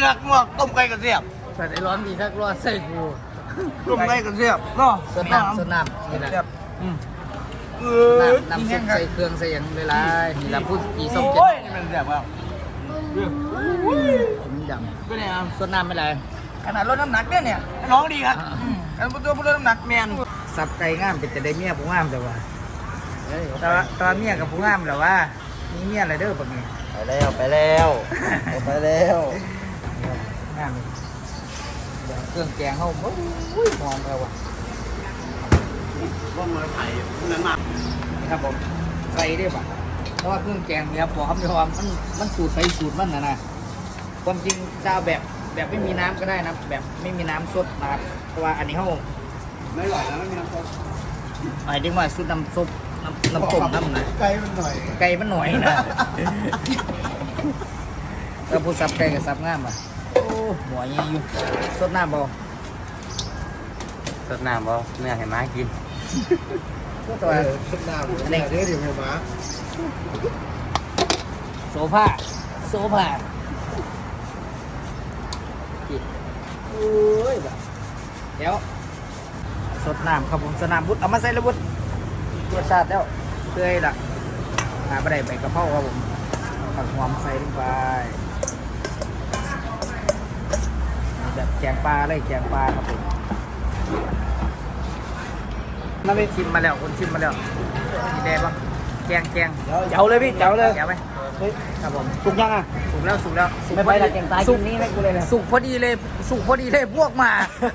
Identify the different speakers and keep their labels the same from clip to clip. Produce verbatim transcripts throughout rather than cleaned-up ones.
Speaker 1: ครับงวกต้มไก่กระเทียม
Speaker 2: แต่ไอ้ร้อนดีครับร้อนใส่กู
Speaker 1: ต้มไก่กระเทียมเนาะ
Speaker 2: สดน้ำสดน้ำนี่แหละ
Speaker 1: อืมเออ
Speaker 2: น้ำน้ำซุปใส่เครื่องใส่อย่างเวลานี่ละพูดกี่ส้มเจ็ด
Speaker 1: โอ้ยนี่มันแบบว่า
Speaker 2: ผมยำ
Speaker 1: ก็เนี่ยครับ
Speaker 2: สดน้ำไม่ไร
Speaker 1: ขนาดลดน้ำหนักเนี่ยเนี่ยน้องดีครับอันนี้ตัวผู้ลดน้ำหนักแมน
Speaker 2: สับไก่งามเป็นแต่ได้เมียผู้งามแต่ว่าแต่ว่าแต่ว่าเมียกับผู้งามแต่ว่ามีเมียอะไรเด้อปะเนี่ย
Speaker 1: ไปแล้วไปแล้วไปแล้ว
Speaker 2: งามเครื่องแกงเขาโอ้ยหอมแล้วว่ะ
Speaker 1: ว่ามาไผ่นั่นมา
Speaker 2: ครับผมใส่ได้ป่ะเพราะว่าเครื่องแกงเนี่ยพอคำยอมมันมันสูตรใส่สูตรมันนะนะความจริงจะเอาแบบแบบไม่มีน้ำก็ได้นะแบบไม่มีน้ำสดนะครับเพราะว่าอันนี้เขา
Speaker 1: ไม่ไหวแล้วไม่มีน้ำซุป
Speaker 2: หมายถึงว่าซุปน้ำซุปน้ำน้ำต้มน้ำนะ
Speaker 1: ไก่มันหน่อย
Speaker 2: ไก่มันหน่อยนะแล้วผู้ซับไก่กับซับงามอ่ะโอ้หัวยี่อยู่สดน้ำบ่
Speaker 1: สดน้ำบ่เนื้อให้ม้ากิน
Speaker 2: ตัว
Speaker 1: สดน้ำ
Speaker 2: อันนี้
Speaker 1: เดี๋ยวเดี๋ยวให้ม้า
Speaker 2: โซฟาโซฟาโอ้ยแบบเดี๋ยวสดน้ำครับผมสดน้ำบุตรเอามาใส่แล้วบุตรรสชาติแล้วเคยละหาไปได้ใบกระเพราครับผมผักหอมใส่ลงไปแบบแกงปลาเลยแกงปลาครับผมมาไปชิมมาแล้วคนชิมมาแล้วมีแดงปะแกงแกง
Speaker 1: เจ้าเลยพี่เจ้าเลย
Speaker 2: เดี๋ยวไหมครับผม
Speaker 1: สุกยังอ่ะ
Speaker 2: สุกแล้วสุกแล้วสุก
Speaker 1: ไม่ไปละแกงตายกินนี่ไม่กูเลยนะ
Speaker 2: สุกพอดีเลยสุกพอดีเลยพวกมา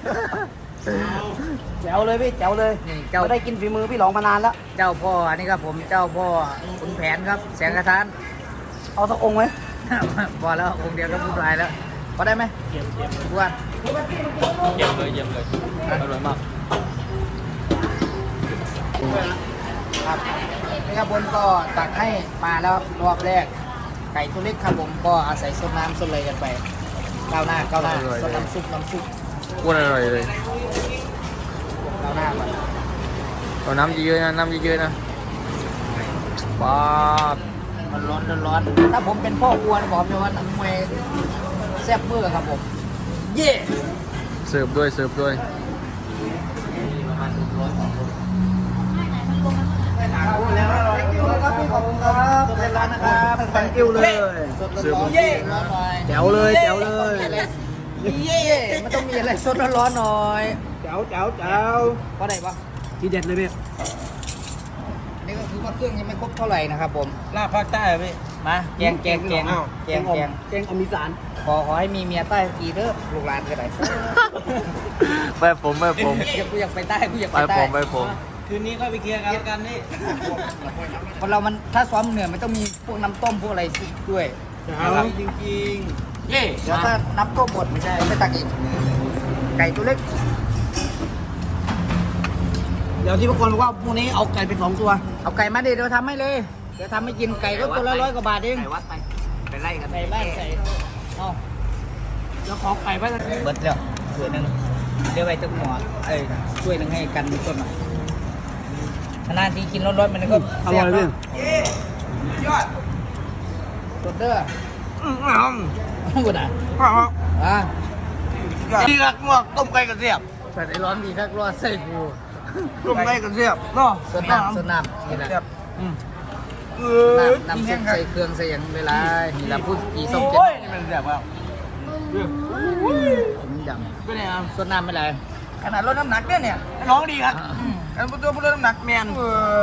Speaker 1: เจ้าเลยพี่เจ้าเลย
Speaker 2: นี่เจ้า
Speaker 1: ไม่ได้กินฝีมือพี่หลองมานานแล้ว
Speaker 2: เจ้าพ่ออันนี้ครับผมเจ้าพ่อขุนแผนครับแสงกระทาน
Speaker 1: เอาสักองค์ไหม
Speaker 2: พอแล้วองค์เดียวก็พูดลายแล้วพอได้ไหมเยี่ยมเยี่ยมทุกวัน
Speaker 1: เยี่ยมเลยเยี่ยมเลยอร่อยมาก
Speaker 2: ครับนี่ครับบนก็ตักให้มาแล้วรอบแรกไก่ตัวเล็กครับผมก็อาศัยซดน้ำซดเลยกันไปก้าวหน้าก้าวหน้าซดน้ำซุปน้ำซุป
Speaker 3: อ้วนอร่อยเลย
Speaker 2: ก้าวหน้าก่อน
Speaker 3: เอาน้ำเยอะๆนะน้ำเยอะๆนะป๊าบ
Speaker 2: มันร้อนร้อนถ้าผมเป็นพ่อครัวนะบอกเลยว่าน้ำมวยแซ่บเมื่อครับผมเย่
Speaker 3: เสิร์ฟด้วยเสิร์ฟด้วย
Speaker 2: ประมาณหนึ่งร้อยของผม
Speaker 1: แล้วครับพี่ขอบคุณครับ
Speaker 2: สดร้อนนะครับ
Speaker 1: แตงกิ้วเลย
Speaker 2: สดร้อนเย่ร้อนหน่อย
Speaker 1: แจ๋วเลยแจ๋วเลย
Speaker 2: เย่มันต้องมีอะไรสดร้อนหน่อย
Speaker 1: แจ๋วแจ๋วแจ๋ว
Speaker 2: เพราะไหนปะ
Speaker 1: ทีเด็ดเลยพี่
Speaker 2: อันนี้ก็คือว่าเครื่องยังไม่ครบเท่าไหร่นะครับผม
Speaker 1: ลาบภาคใต้พี่
Speaker 2: มาแกงแกงแกงแกงแกง
Speaker 1: แกงอมิสาน
Speaker 2: ขอขอให้มีเมียใต้กีเด้อลูกหลานก็ได้
Speaker 3: ไปผมไปผม
Speaker 2: อยากกูอยากไปใต้กูอยาก
Speaker 3: ไป
Speaker 2: ไปใต้
Speaker 3: ผมไปผม
Speaker 1: คืนนี้ก็ไปเคลียร์กันแล้วกันนี่
Speaker 2: คนเรามันถ้าซ้อมเหนื่อยมันต้องมีพวกน้ำต้มพวกอะไรด้วย
Speaker 1: เอาจริง
Speaker 2: เย่เดี๋ยวถ้าน้ำต้มหมดไม่ใช่ไม่ตักอีกไก่ตัวเล็ก
Speaker 1: ๆเดี๋ยวที่พวกคนบอกว่าพรุ่งนี้เอาไก่ไปสองตัว
Speaker 2: เอาไก่มาดิเดี๋ยวทำให้เลยเดี๋ยวทำให้กินไก่ก็ตัวละร้อยกว่าบาทเอง
Speaker 1: ไก่วัดไปไปไล่กัน
Speaker 2: ไก่บ้านไก่เอา
Speaker 1: เดี๋ยวขอไก่ไปเลย
Speaker 2: เบิดแล้วถ้วยหนึ่งเดี๋ยวไปตึกหมอเอ้ยถ้วยหนึ่งให้กันต้นหน่อยนานทีกินร้อนๆมันก็
Speaker 1: อร่อยพี่ยอด
Speaker 2: สดเด้อ
Speaker 1: อืม
Speaker 2: กูนะ
Speaker 1: ครับ
Speaker 2: อ่ะ
Speaker 1: ดีครับงวกต้มไก่กระเทียม
Speaker 2: แต่ไอ้ร้อนดีครับร้อนใส่กู
Speaker 1: ต้มไก่กระเทียมเนาะ
Speaker 2: สดน้ำสดน้ำนี่แหละ
Speaker 1: อืมเออ
Speaker 2: น้ำน้ำซุปใส่เครื่องใส่อย่างเวลานี่ละพูดกี่ส้มเจ็ด
Speaker 1: โอ้ยนี่มันแบบว่า
Speaker 2: ผมยำ
Speaker 1: ก็เนี่ยครับ
Speaker 2: สดน้ำไม่ไร
Speaker 1: ขนาดลดน้ำหนักเนี่ยเนี่ยน้องดีครับอันนี้ตัวผู้ลดน้ำหนักแมน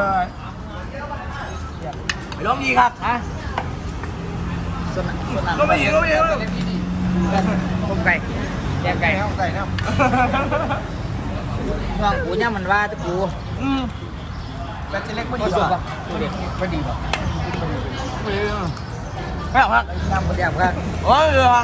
Speaker 1: น้องดีครับ
Speaker 2: ฮะสดน้ำสดน้ำ
Speaker 1: ก็ไม่เห็นก็ไม่เห็น
Speaker 2: ต้มไก่แกงไก่
Speaker 1: ไก่ไก่นะ
Speaker 2: ห่วงกูเนี่ยมันว่าตะกู
Speaker 1: อืมแต่จะเล็กไม่
Speaker 2: ก็
Speaker 1: ดี
Speaker 2: สุก
Speaker 1: ป่ะ
Speaker 2: ป่ะกูเด็กไม่ดีป่ะ
Speaker 1: ไม่เอาครับ
Speaker 2: น้ำกระเดียบกัน
Speaker 1: โอ้ยเหรอ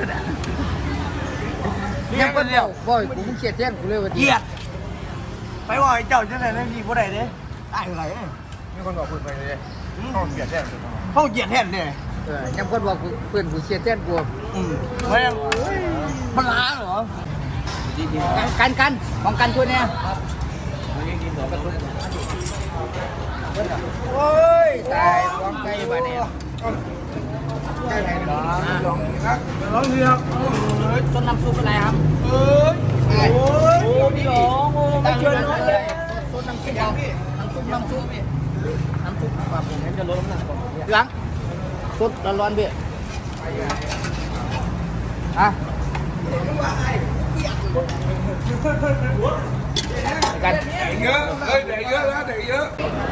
Speaker 2: ยังเป็นเดียวบ่อยกูเขียดเทียนกูเลยว่า
Speaker 1: เกียดไปว่าไอ้เจ้าจะไหนนั่นดีผู้ใดเนี่ยได้อะไรมีคนบอกคุณไปเลยเขาเกียดแทนเขาเกียดแทนเนี่ย
Speaker 2: เออยังคนบอกกูเพื่อนกูเขียดเทียนกู
Speaker 1: อืมไม่มันล้าเหรอ
Speaker 2: กันกันของกันช่วยเนี่ยโอ้ยตายฟ้องไก่บ้านเนี่ย
Speaker 1: ได้ไงลองลองครับลองดีครับเอ้ย
Speaker 2: ต้นน้ำซุปอะไรครับ
Speaker 1: เอ้ยโอ้ย
Speaker 2: โอ้พี่หลงโอ้ไม่เชิญน้อยเลยต้นน้ำซุปน้ำซุปน้ำซุปพี่น้ำซุปแบบผมจะลดน้ำหนักก่อนหลังซุปร้อนๆพี่อ่ะกัน
Speaker 1: แดกเยอะเอ้ยแดกเยอะแล้วแดกเยอะ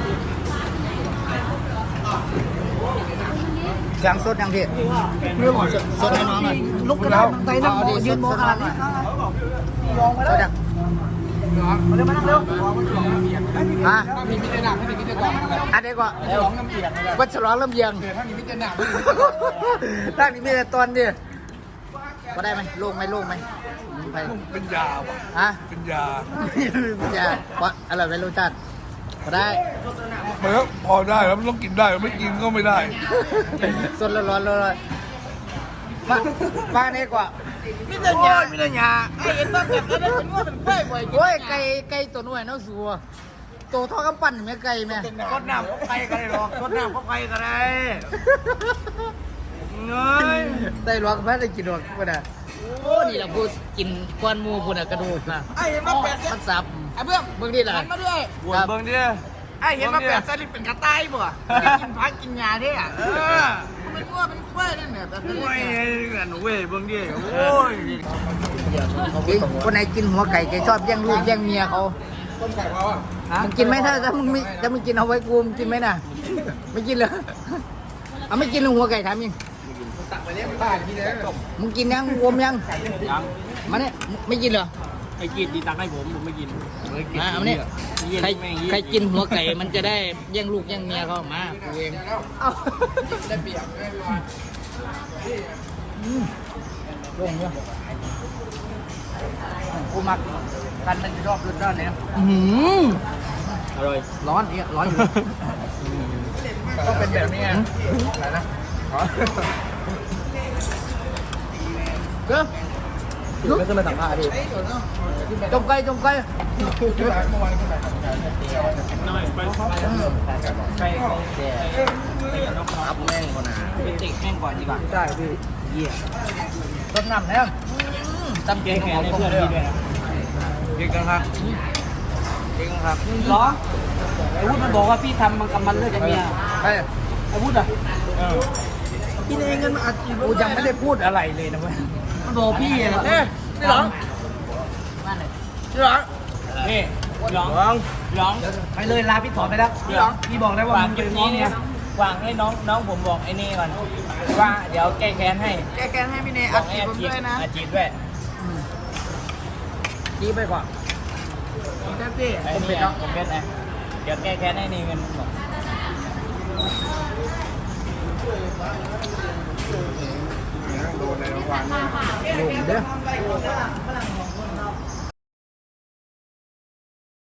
Speaker 2: เสียงสดยังพี่เรื่องของสดให้น้องหน่อยลุกขึ้นแล้วไปนั่งยืนมองอะไรนี่มองไปแล้วยังมาเร็วมานั่งเร็วฮะ
Speaker 1: มีมิตรหนักไม่ได้มิตรก่อน
Speaker 2: อันนี้ก็
Speaker 1: ร้องน้ำเปียกเลย
Speaker 2: วัดฉลองลำเยียง
Speaker 1: เดี๋ยวถ้ามีมิตรหนัก
Speaker 2: ตั้งนี้มีแต่ตอนดิก็ได้ไหมโล่งไหมโล่งไหมไป
Speaker 1: เป็นยาว่ะ
Speaker 2: ฮะ
Speaker 1: เป็นยา
Speaker 2: ไม่ใช่เพราะอะไรไม่รู้จักก็ได้
Speaker 1: มันก็พอได้แล้วมันต้องกินได้ไม่กินก็ไม่ได้
Speaker 2: สดร้อนๆเลยมามาเนี่ยกว่า
Speaker 1: มิตรยามิตรยา
Speaker 2: ไอ้เอ็นบ้าแบบนั้นเป็นว่าเป็นกล้วยบ่อยโอ้ยไก่ไก่ตัวน้อยน้องสัวตัวเท่ากำปั้นแม่ไก่แม่
Speaker 1: รดน้ำก็ใครก็ได้หรอกรดน้ำก็ใครก็ได้เงย
Speaker 2: ได้หรอกแม่ได้กินหรอกก็ได้โอ้นี่เราพูดกินควันมูพูดกระดูกนะ
Speaker 1: ไอ้เห็นมาแปด
Speaker 2: มันสับ
Speaker 1: ไอ้เบื้อง
Speaker 2: เบิ่งนี่แหละ
Speaker 1: หันมาด้วย
Speaker 2: ปวด
Speaker 1: เบื้องดิไอ้เห็นมาแปดสลิปเป็นกระต่ายบ่ไม่ได้กินพักกินยาเนี่ยเออเป็นว่าเป็นควายนั่นเนี่ยแต่เป็นไม่กันเว้ยเบื้องดิโอ้ย
Speaker 2: คนไหนกินหัวไก่แกชอบแย่งลูกแย่งเมียเขา
Speaker 1: ต้มไก่เขาอ่ะ
Speaker 2: มึงกินไหมถ้าถ้ามึงไม่ถ้ามึงกินเอาไว้กูมึงกินไหมน่ะไม่กินเลยเอาไม่กินเลยหัวไก่ถามยิง
Speaker 1: ตักไปเลี้ยงบ้านที่ไหนต้ม
Speaker 2: มึงกินยังวมยัง
Speaker 3: ยัง
Speaker 2: มาเนี่ยไม่กินเหรอ
Speaker 3: ไอ้กินดีตักให้ผมผมไม่กิน
Speaker 2: มาเอามาเนี่ยใครใครกินหัวไก่มันจะได้แย่งลูกแย่งเมียเขามากูเอง
Speaker 1: เอาได้เปรียบได้ไหม
Speaker 2: ลงเนี่ยกูมักกันมันรอบรุนร้อนเนี่ยอืม
Speaker 3: อร่อย
Speaker 2: ร้อนเนี่ยร้อนอยู่
Speaker 1: ต้องเป็นแบบนี้ไงอะไรนะ
Speaker 2: เด้อ
Speaker 3: ไม่ขึ้นมาสัมภาษณ์ดิ
Speaker 2: จมไก่จมไก่
Speaker 1: ขึ้นมาเมื่อวานขึ้นมา
Speaker 3: น้อยไปไปอัพแม่งก่อนนะเป็นติ่งแม่งก่อนดีกว่า
Speaker 2: ใช่พี่เยี่ยต้นน้ำเนี่ยตำเก่งของผมด้วย
Speaker 1: เก่งกันครับเก่งครับ
Speaker 2: หรอไอ้วุฒิมันบอกว่าพี่ทำมันกับมันเลิกกับเมีย
Speaker 1: ใช่
Speaker 2: ไอ้วุฒิอ่ะ
Speaker 1: กินเองกันมาอัดจีบ
Speaker 2: กูยังไม่ได้พูดอะไรเลยนะเว้ยมันบอกพี่อ่ะ
Speaker 1: เอ๊ะนี่หรอ
Speaker 2: มาเลย
Speaker 1: นี่หรอ
Speaker 3: นี่ร้อง
Speaker 1: ลอง
Speaker 3: ร้อง
Speaker 2: ไปเลยลาพี่ถอนไปแล้วพี่ร้องพี่บอกได้ว่ามึงเป็นน้องเนี่ยว
Speaker 3: างให้น้องน้องผมบอกไอ้นี่ก่อนว่าเดี๋ยวแก้แค้นให้
Speaker 1: แกแกนให้พี่เนย
Speaker 3: บ
Speaker 1: อั
Speaker 3: อ
Speaker 1: ด
Speaker 3: ก
Speaker 1: จี
Speaker 3: ให้
Speaker 1: บผมด้วยนะ
Speaker 3: อาจีบด้วย
Speaker 2: จี้ไปก่อน
Speaker 1: แท็กซี่
Speaker 3: ไอ้นี่น้องผมเป็นนะเดี๋ยวแก้แค้นให้นี่เงินบอก
Speaker 1: โดนในรางวัล
Speaker 2: ลงเด้อ